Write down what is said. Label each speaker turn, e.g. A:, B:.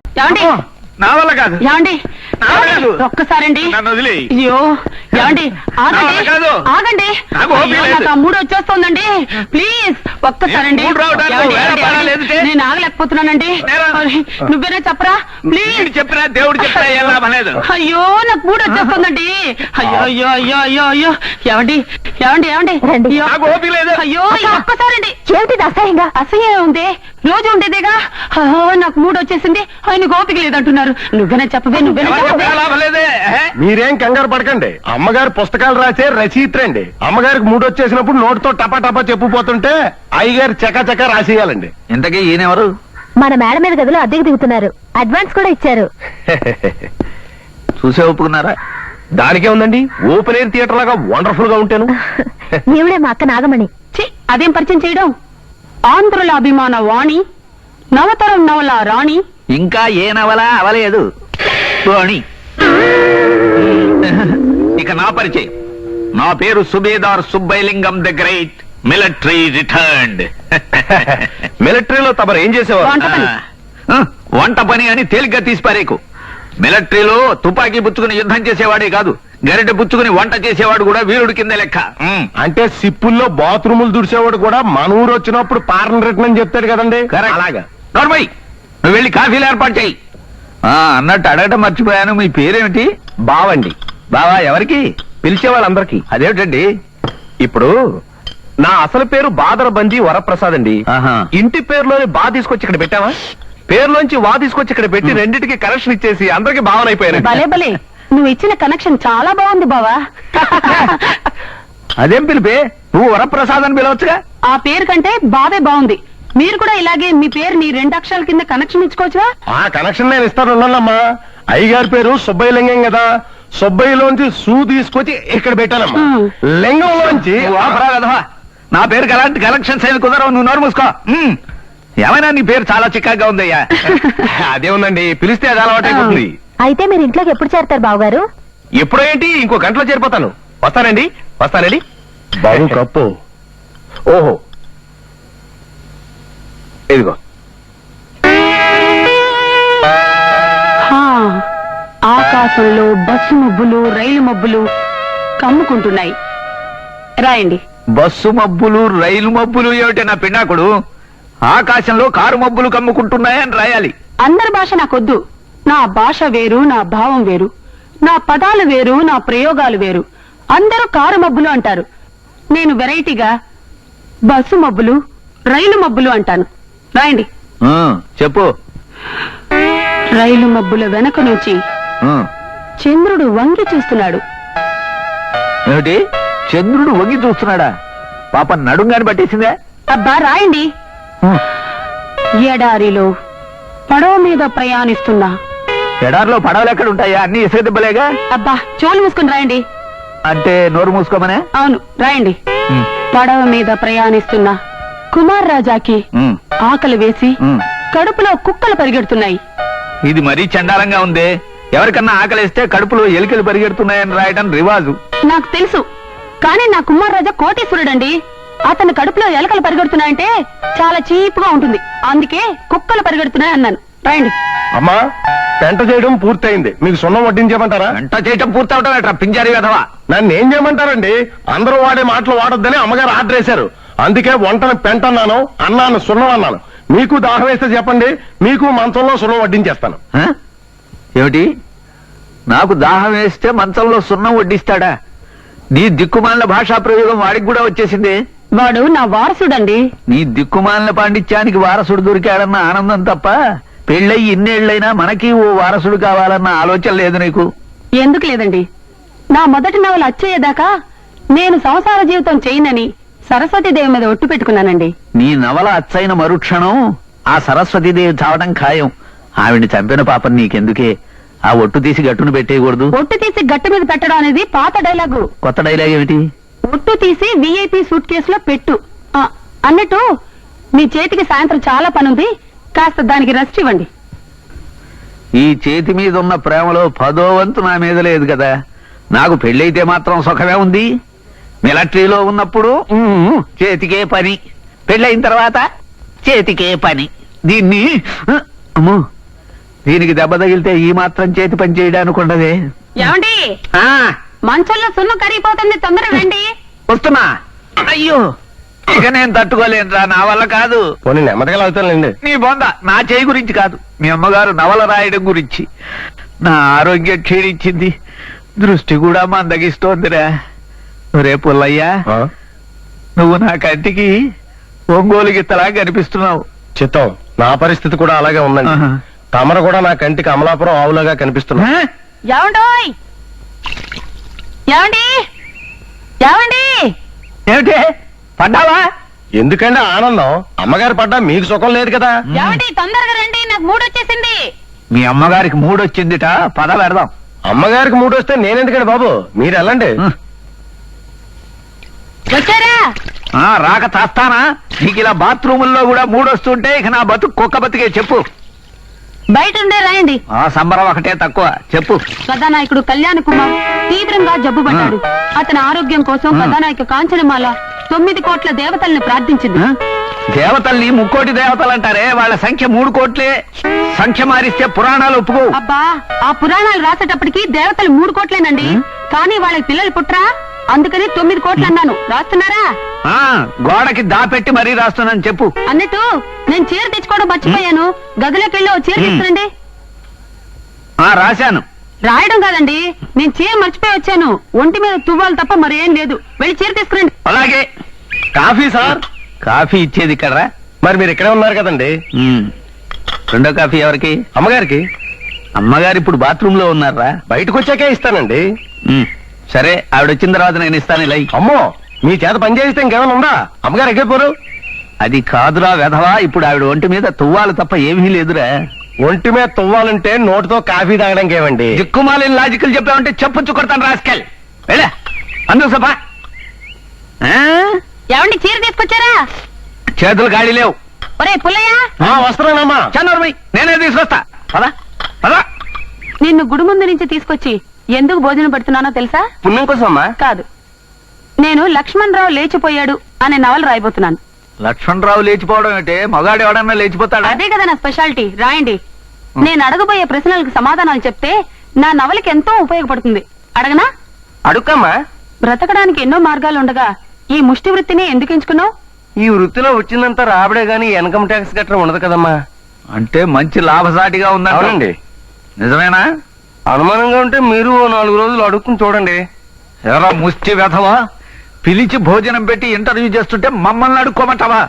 A: ఏమండి
B: నా వల్ల కాదు.
A: ఏమండి
B: నా వల్ల కాదు.
A: ఒక్కసారండి.
B: నన్ను వదిలేయ్.
A: అయ్యో ఏమండి
B: నా వల్ల కాదు.
A: ఆగండి
B: నాకు ఓపిక
A: అయ్యో,
B: లేదు.
A: నాకు ఆ మూడు వచ్చేస్తోందండి. ప్లీజ్ ఒక్కసారండి.
B: ఈ మూడు రావడానికి
A: ఏమండి,
B: వేరే
A: ఏమండి,
B: పని లేదుటే?
A: నేను ఆగలేకపోతున్నానండి.
B: నేరా?
A: అరే, నువ్వేనా చెప్పరా ప్లీజ్.
B: వీడు చెప్పినా దేవుడు చెప్పినా ఏం లాభం లేదు.
A: అయ్యో నాకు మూడు వచ్చేస్తుందండి. అయ్యో అయ్యో అయ్యో అయ్యో అయ్యో ఏమండి ఏమండి ఏమండి అయ్యో,
B: నాకు ఓపిక లేదు.
A: అయ్యో ఈ ఒక్కసారండి.
C: ఏమిటిది అసహ్యంగా?
A: అసహ్యం ఉంది, రోజు ఉండేదేగా. నాకు మూడు వచ్చేసింది, ఆయన ఓపిక లేదంటున్నారు. నువ్వేనా చెప్పవే, నువ్వేనా
B: ఎవరు
A: చెప్పవే.
B: చెప్పినా లాభం లేదే.
D: మీరేం కంగారు పడకండి. అమ్మగారు పుస్తకాలు రాసే రచయిత్రండి. అమ్మగారికి మూడు వచ్చేసినప్పుడు నోటితో టపా టపా చెప్పుపోతుంటే అయ్యగారు చకా రాసేయాలండి.
B: ఇంతకీ ఈయనెవరు?
C: మన మేడ మీద గదిలో అద్దెకు దిగుతున్నారు. అడ్వాన్స్ కూడా ఇచ్చారు.
B: చూసే ఒప్పుకున్నారా?
D: దానికే ఉందండి, ఓపెన్ ఎయిర్ థియేటర్ లాగా వండర్ఫుల్ గా ఉంటాను.
C: ఈవిడే మా అక్క నాగమణి.
A: ఛీ, అదేం పరిచయం చేయడం. ఆంధ్రుల అభిమాన వాణి, నవతరం నవల రాణి.
B: ఇంకా ఏ నవల అవలేదు పోనీ. ఇక నా పరిచయం. నా పేరు Subedar Subbailingam the great, military returned.
D: మిలిటరీలో తమరు ఏం చేసేవారు?
A: వంట పని.
B: వంట పని అని తేలిగ్గా తీసిపారేకు. మిలిటరీలో తుపాకీ పుచ్చుకుని యుద్ధం చేసేవాడే కాదు, గరిటె పుచ్చుకుని వంట చేసేవాడు కూడా వీరుడి కింద లెక్క.
D: అంటే సిప్పుల్లో బాత్రూములు దుడిసేవాడు కూడా మన ఊరు వచ్చినప్పుడు పారన్ రిటర్న్ అని చెప్తాడు కదండి.
B: Correct.
D: అలాగా.
B: నోర్మై, నువ్వు వెళ్ళి కాఫీలు ఏర్పాటు చేయి. అన్నట్టు అడగటం మర్చిపోయాను, మీ పేరేమిటి?
D: బావండి.
B: బావా ఎవరికి?
D: పిలిచే వాళ్ళందరికీ.
B: అదేమిటండి?
D: ఇప్పుడు నా అసలు పేరు బాదరబంది వరప్రసాద్ అండి.
B: ఆహా.
D: ఇంటి పేరులోని బా తీసుకొచ్చి ఇక్కడ పెట్టావా, పేరులోంచి వా తీసుకొచ్చి ఇక్కడ పెట్టి రెండింటికి కనెక్షన్ ఇచ్చేసి అందరికి భావన అయిపోయాను.
A: భలే భలే, నువ్వు ఇచ్చిన కనెక్షన్ చాలా బాగుంది బావా.
B: అదేం పిలిపే? నువ్వు వరప్రసాద్ అని పిలవచ్చుగా.
A: ఆ పేరు కంటే బావే బాగుంది. మీరు కూడా ఇలాగే మీ పేరు నీ 2 అక్షరాల కింద కనెక్షన్ ఇచ్చుకోవచ్చుగా.
D: ఆ కనెక్షన్ నేను ఇస్తాను ఉన్నానమ్మా. అయ్యగారి పేరు సుబ్బయ్య లింగం కదా, సుబ్బయ్యలోంచి సూ తీసుకొచ్చి ఇక్కడ పెట్టానమ్మా. లింగంలోంచి
B: నువ్వు ఆపరా వెధవా. నా పేరుకి అలాంటి కలెక్షన్స్ ఏమి కుదరవు, నువ్వు నోరు మూసుకో. ఏమైనా నీ పేరు చాలా చిక్కగా ఉందయ్యా.
D: అదే ఉందండి, పిలిస్తే అది అలవాటైపోతుంది.
C: అయితే మీరు ఇంట్లోకి ఎప్పుడు చేరతారు బావగారు?
D: ఎప్పుడో ఏంటి, ఇంకో గంటలో చేరిపోతాను. వస్తానండి. బాబు కప్పు. ఓహో ఇదిగో.
A: హా, ఆకాశంలో బస్సు మబ్బులు, రైలు మబ్బులు కమ్ముకుంటున్నాయి. రాయండి.
B: బస్సు మబ్బులు, రైలు మబ్బులు ఏమిటి నా పిండాకుడు? ఆకాశంలో కారు మబ్బులు కమ్ముకుంటున్నాయని రాయాలి.
A: అందరి భాష నాకొద్దు. నా భాష వేరు, నా భావం వేరు, నా పదాలు వేరు, నా ప్రయోగాలు వేరు. అందరూ కారు మబ్బులు అంటారు, నేను వెరైటీగా బస్సు మబ్బులు, రైలు మబ్బులు అంటాను. రాయండి.
B: చెప్పు.
A: రైలు మబ్బుల వెనక నుంచి చంద్రుడు వంగి చూస్తున్నాడు.
B: ఏమిటి? చంద్రుడు వంగి చూస్తున్నాడా? పాప నడుంగాని పట్టేసిందే.
A: అబ్బా రాయండి. ఎడారిలో పడవ మీద ప్రయాణిస్తున్నా.
B: ఎడారిలో పడవలు ఎక్కడ ఉంటాయా? అన్ని ఇసుక దెబ్బలేగా.
A: అబ్బా చోలు మూసుకుని రాయండి.
B: అంటే నోరు మూసుకోమనే.
A: అవును రాయండి. పడవ మీద ప్రయాణిస్తున్నా కుమార్ రాజాకి ఆకలి వేసి కడుపులో కుక్కలు పరిగెడుతున్నాయి.
B: ఇది మరీ చండాలంగా ఉందే. ఎవరికన్నా ఆకలిస్తే కడుపులో ఎలికలు పరిగెడుతున్నాయని రాయటం రివాజు.
A: నాకు తెలుసు, కానీ నా కుమార్ రాజా కోటీశ్వరుడండి. అతని కడుపులో ఎలకలు పరిగెడుతున్నాయంటే చాలా చీప్గా ఉంటుంది, అందుకే కుక్కలు పరిగెడుతున్నాయి అన్నాను. రాయండి.
D: అమ్మా, పెంట చేయడం పూర్తయింది. మీకు సున్నం వడ్డించేయమంటారా?
B: వంట చేయటం పూర్తవటం ఎట్రా పింజారి వెధవా.
D: నన్ను ఏం చేయమంటారండి? అందరూ వాడే మాటలు వాడొద్దని అమ్మగారు ఆర్డర్ వేశారు. అందుకే వంటను పెంట అన్నాను, అన్నాను సున్నం అన్నాను. మీకు దాహం వేస్తే చెప్పండి, మీకు మంచంలో సున్నం వడ్డించేస్తాను.
B: ఏమిటి? నాకు దాహం వేస్తే మంచంలో సున్నం వడ్డిస్తాడా? నీ దిక్కుమాలిన భాషా ప్రయోగం వాడికి కూడా వచ్చేసింది.
A: వాడు నా వారసుడండి.
B: నీ దిక్కుమాలిన పాండిత్యానికి వారసుడు దొరికాడన్న ఆనందం తప్ప పెళ్ళయి ఇన్నేళ్లైనా మనకి ఓ వారసుడు కావాలన్న ఆలోచన లేదు నీకు.
A: ఎందుకు లేదండి? నా మొదటి నవల అచ్చయ్యేదాకా నేను సంసార జీవితం చేయనని సరస్వతీదేవి మీద ఒట్టు పెట్టుకున్నానండి.
B: నీ నవల అచ్చైన మరుక్షణం ఆ సరస్వతీదేవి చావడం ఖాయం. ఆవిడ్ని చంపిన పాపం నీకెందుకే? ఆ ఒట్టు తీసి గట్టును పెట్టేయకూడదు.
A: ఒట్టు తీసి గట్టు మీద పెట్టడం అనేది పాత డైలాగు.
B: కొత్త డైలాగ్ ఏమిటి?
A: ఒట్టు తీసి VIP సూట్ కేసులో పెట్టు. అన్నట్టు మీ చేతికి సాయంత్రం చాలా పనుంది, కాస్త దానికి రెస్ట్ ఇవ్వండి.
B: ఈ చేతి మీద ఉన్న ప్రేమలో 10వ వంతు నా మీద లేదు కదా. నాకు పెళ్ళైతే మాత్రం సుఖమే ఉంది. మిలిటరీలో ఉన్నప్పుడు చేతికే పని, పెళ్ళైన తర్వాత చేతికే పని. దీన్ని అమ్మో దీనికి దెబ్బ తగిలితే ఈ మాత్రం చేతి పని చేయడానికి ఉండదే.
A: ఏమండి
B: ఆ,
A: మంచంలో సున్ను కరిగిపోతుంది, తొందరగా రండి.
B: వస్తున్నా. అయ్యో, ఇక నేను తట్టుకోలేనురా, నా వల్ల కాదు.
D: పోనీ నెమ్మదిగా లాగుతానులేండి.
B: నీ బొంద నా చేయి గురించి కాదు, మీ అమ్మగారు నవల రాయడం గురించి. నా ఆరోగ్యం క్షీణించింది, దృష్టి కూడా మందగిస్తోందిరా. రే పుల్లయ్యా,
D: ఆ?
B: నువ్వు నా కంటికి ఒంగోలు గిత్తలా కనిపిస్తున్నావు.
D: చిత్తం, నా పరిస్థితి కూడా అలాగే ఉందండి.
B: ఆహా.
D: తమరు కూడా నా కంటికి అమలాపురం ఆవులాగా కనిపిస్తున్నా.
B: ఆ?
A: ఏమండోయ్, ఏమండి, ఏమండి,
B: ఏమిటి పడ్డావా?
D: ఎందుకంటే ఆనందం, అమ్మగారు పడ్డా మీకు సుఖం లేదు కదా.
A: ఏమండి, తొందరగా రండి, నాకు మూడు వచ్చేసింది.
B: మీ అమ్మగారికి మూడొచ్చిందిట, పద పెడదాం.
D: అమ్మగారికి మూడు వస్తే నేనెందుకండి బాబు, మీరు వెళ్ళండి.
A: వచ్చారా?
B: ఆ, రాక తాస్తానా? నీకు ఇలా బాత్రూముల్లో కూడా మూడొస్తుంటే ఇక నా బతుకు కుక్క బతికే. చెప్పు.
A: బయట ఉండే రాయండి.
B: ఆ సంబరం ఒకటే తక్కువ. చెప్పు.
A: కథానాయకుడు కళ్యాణ్ కుమార్ తీవ్రంగా జబ్బు పడ్డాడు. అతని ఆరోగ్యం కోసం కథానాయక కాంచనమాల 9 కోట్ల దేవతల్ని ప్రార్థించింది.
B: ఆ? దేవతల్ని ముక్కోటి దేవతలు అంటారే, వాళ్ళ సంఖ్య 3 కోట్లే. సంఖ్య మారిస్తే పురాణాలు ఒప్పుకో.
A: అబ్బా, ఆ పురాణాలు రాసేటప్పటికి దేవతలు 3 కోట్లేనండి. కానీ వాళ్ళకి పిల్లలు పుట్రా, అందుకని 9 కోట్లు అన్నాను. రాస్తున్నారా?
B: ఆ, గోడకి దాపెట్టి మరీ రాస్తున్నాను. చెప్పు.
A: అన్నట్టు నేను చీర తెచ్చుకోవడం మర్చిపోయాను. గదిలోకి వెళ్ళి ఓ చీర తీసుకురండి.
B: ఆ, రాశాను.
A: రాయడం కాదండి, నేను చీర మర్చిపోయి వచ్చాను. ఒంటి మీద తువ్వాలి తప్ప మరేం లేదు. వెళ్ళి చీర తీసుకురండి.
B: అలాగే.
D: Coffee sir.
B: కాఫీ ఇచ్చేది ఇక్కడ.
D: మరి మీరు ఇక్కడే ఉన్నారు కదండి.
B: రెండో కాఫీ ఎవరికి?
D: అమ్మగారికి.
B: అమ్మగారు ఇప్పుడు బాత్రూమ్ లో ఉన్నారా?
D: బయటకు వచ్చాకే ఇస్తానండి.
B: సరే, ఆవిడ వచ్చిన తర్వాత నేను ఇస్తాను. ఇలా ఇయ్యి.
D: అమ్మో, మీ చేత పని చేయిస్తే ఇంకేమైనా ఉందా? అమ్మగారు ఎక్కిపోరు.
B: అది కాదురా వెధవా, ఇప్పుడు ఆవిడ ఒంటి మీద తువ్వాలి తప్ప ఏమీ లేదురా.
D: ఒంటి మీద తువ్వాలంటే నోటితో కాఫీ తాగడానికి ఏమండి?
B: దిక్కుమాలిన లాజికల్ చెప్పావంటే చెప్పుచ్చు కొడతాను రాస్కెల్. వెళ్ళా అందుకు సభ.
A: ఏమండి, చీర తీసుకొచ్చారా?
B: చేతులు గాడి లేవు.
A: ఒరే పుల్లయ్య,
D: వస్తున్నానమ్మా.
B: చన్నూరుమై, నేనే తీసుకొస్తా. పదా పదా.
A: నిన్ను గుడి ముందు నుంచి తీసుకొచ్చి ఎందుకు భోజనం పెడుతున్నానో తెలుసా?
D: పుణ్యం కోసం అమ్మా.
A: కాదు, నేను లక్ష్మణరావు లేచిపోయాడు అనే నవల రాయబోతున్నాను.
B: లక్ష్మణరావు లేచిపోవడం ఏంటే? మగాడు ఎవడన్నా లేచిపోతాడా?
A: అదే కదా నా స్పెషాలిటీ. రాయండి. నేను అడగబోయే ప్రశ్నలకు సమాధానాలు చెప్తే నా నవలకి ఎంతో ఉపయోగపడుతుంది. అడగనా?
D: అడుక్కమ్మా.
A: బ్రతకడానికి ఎన్నో మార్గాలు ఉండగా ఈ ముష్టి వృత్తిని ఎందుకు ఎంచుకున్నావు?
D: ఈ వృత్తిలో వచ్చిందంతా రాబడే గాని ఇన్కమ్ ట్యాక్స్ గట్రా ఉండదు కదమ్మా.
B: అంటే మంచి లాభసాటిగా ఉందా?
D: అవునండి.
B: నిజమేనా?
D: అనుమానంగా ఉంటే మీరు 4 రోజులు అడుక్కుని చూడండి.
B: ఎరా ముష్టి వెధవా, పిలిచి భోజనం పెట్టి ఇంటర్వ్యూ చేస్తుంటే మమ్మల్ని అడుక్కోమంటావా?